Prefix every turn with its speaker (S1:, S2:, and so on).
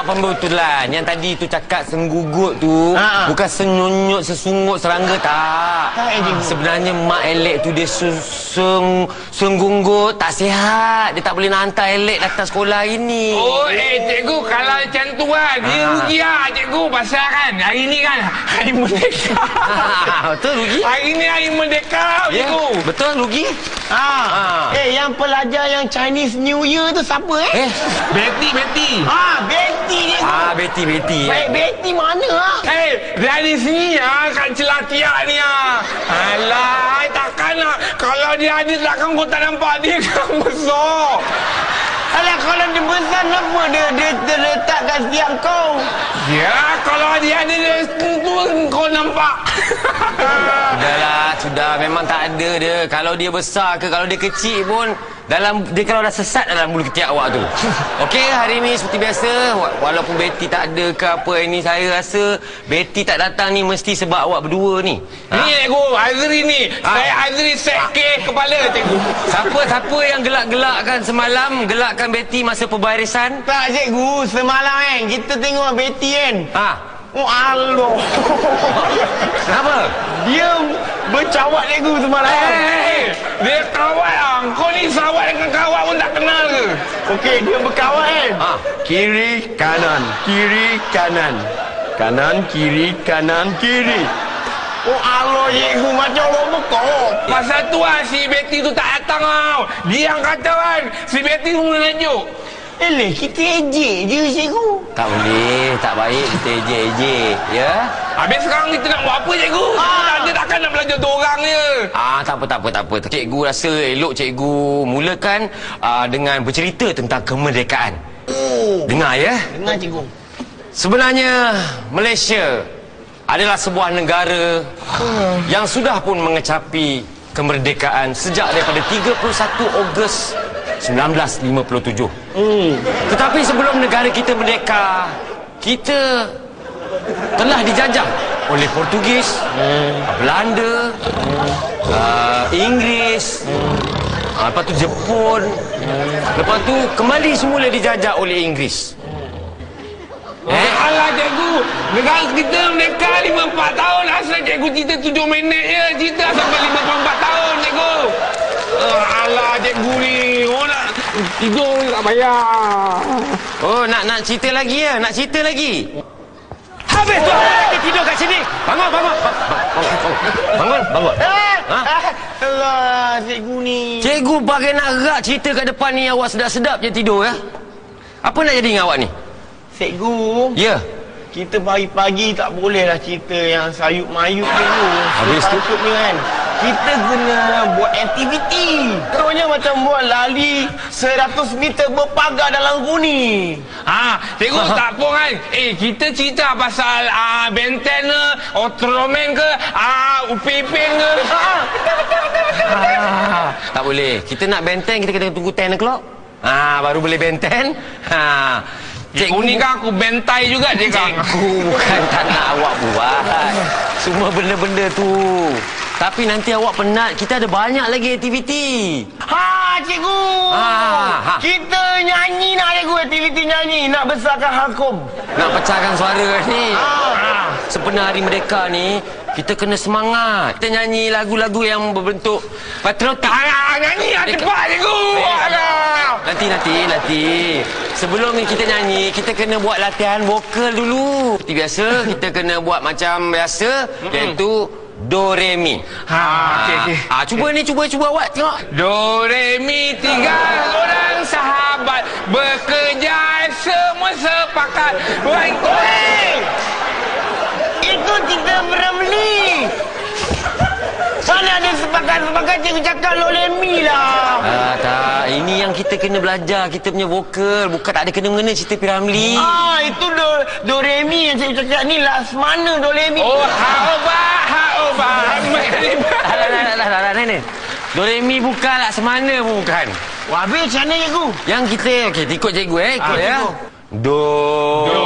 S1: pembetulan. Yang tadi tu cakap senggugut tu bukan senyunyut, sesungut, serangga, tak. Sebenarnya mak elek tu dia senggunggut, tak sihat. Dia tak boleh nak hantar elek datang sekolah hari ni.
S2: Oh, cikgu, kalau macam tu kan, dia rugi lah, cikgu. Pasal kan, hari ni kan, Hari Merdeka.
S1: Betul, rugi.
S2: Hari ni Hari Merdeka, cikgu.
S1: Betul, rugi.
S3: Yang pelajar yang Chinese New Year tu siapa
S2: Betty.
S3: Betty dia.
S1: Betty.
S3: Baik, Betty mana
S2: Dari sini kat Celatiak ni Alah, takkan lah. Kalau dia ada takkan kau tak nampak dia kan besar.
S3: Alah, kalau dia besar kenapa dia terletak kat setiap kau?
S2: Ya, kalau dia ada tu kau nampak.
S1: Sudah. Memang tak ada dia. Kalau dia besar ke, kalau dia kecil pun, dia kalau dah sesat dalam bulu ketiak awak tu. Okey, hari ni seperti biasa, walaupun Betty tak ada ke apa ini, saya rasa Betty tak datang ni mesti sebab awak berdua ni.
S2: Ni cikgu, Azri ni. Saya Azri set kes kepala, cikgu.
S1: Siapa yang gelak-gelakkan semalam, gelakkan Betty masa pembarisan?
S3: Tak, cikgu. Semalam kita tengok Betty kan. Oh, Allah.
S1: Kenapa?
S3: Dia bercawat cikgu semalam.
S2: Dia kawat lah. Kau ni sawat dengan kawat pun tak kenal ke?
S3: Okey, dia berkawat kan. Kiri, kanan. Kiri, kanan. Kanan, kiri, kanan, kiri. Oh, Allah, cikgu. Macam robot kau.
S2: Pasal tu lah si Betty tu tak datang tau. Dia yang kata kan, si Betty tu menunjuk.
S3: Kita ejek je, cikgu.
S1: Tak boleh, tak baik kita ejek-ejek, ya?
S2: Habis sekarang kita nak buat apa, cikgu? Kita takkan nak belajar dorang je.
S1: Tak apa. Cikgu rasa elok cikgu mulakan dengan bercerita tentang kemerdekaan. Dengar, ya?
S3: Dengar, cikgu.
S1: Sebenarnya, Malaysia adalah sebuah negara yang sudah pun mengecapi kemerdekaan sejak daripada 31 Ogos 1957. Tetapi sebelum negara kita merdeka, kita telah dijajah oleh Portugis, Belanda, Inggeris, lepas tu Jepun, lepas tu kembali semula dijajah oleh Inggeris.
S2: Alah, cikgu, negara kita merdeka 54 tahun. Asal cikgu cerita 7 minit je. Cerita sampai 54 tahun, cikgu. Alah, cikgu ni. Oh, nak tidur tak bayar.
S1: Oh, nak cerita lagi ya? Nak cerita lagi? Habis tu dia tidur kat sini. Bangun.
S3: Alah, cikgu ni.
S1: Cikgu bagai nak gerak cerita kat depan ni, awak sedap-sedap je tidur ya? Apa nak jadi dengan awak ni?
S3: Cikgu.
S1: Ya.
S3: Kita pagi-pagi tak bolehlah cerita yang sayup-mayup, cikgu.
S1: Habis tu
S3: ni kan. Kita kena buat aktiviti. Contohnya macam buat lari 100 meter berpagar dalam guni.
S2: Cikgu tak apa kan. Kita cerita pasal Benten ke, Ultraman ke, Upin Ipin ke.
S1: Tak boleh. Kita nak benten, kita kena tunggu 10 o'clock. Baru boleh benten.
S2: Cikgu ni kan aku bentai juga,
S1: cikgu. Bukan tak nak awak buat semua benda-benda tu. Tapi nanti awak penat. Kita ada banyak lagi aktiviti.
S3: Cikgu. Kita nyanyi nak, cikgu. Aktiviti nyanyi. Nak besarkan Hakom.
S1: Nak pecahkan suara ni. Sebenar Hari Merdeka ni, kita kena semangat. Kita nyanyi lagu-lagu yang berbentuk patriotik.
S2: Nyanyi cepat, cikgu.
S1: Nanti. Sebelum ni kita nyanyi, kita kena buat latihan vokal dulu. Seperti biasa, kita kena buat macam biasa, iaitu Do, Re, Mi. Cuba awak tengok.
S2: Do, Re, Mi, 3 orang sahabat bekerja, semua sepakat.
S3: Itu kita Ramli. Mana ada sepakat-sepakat, cikgu cakap Lo, Re, Mi lah.
S1: Tak. Ini yang kita kena belajar, kita punya vokal. Bukan tak ada kena-mengena cerita Piramli.
S3: Itu Do, Re, Mi yang cikgu cakap ni. Mana Do, Re, Mi?
S2: Oh, ha-oba.
S1: Nenek. Do, Re, Mi bukan lah. Semana pun bukan.
S3: Habis macam mana, cikgu?
S1: Yang kita, ikut cikgu ikut ya. Do,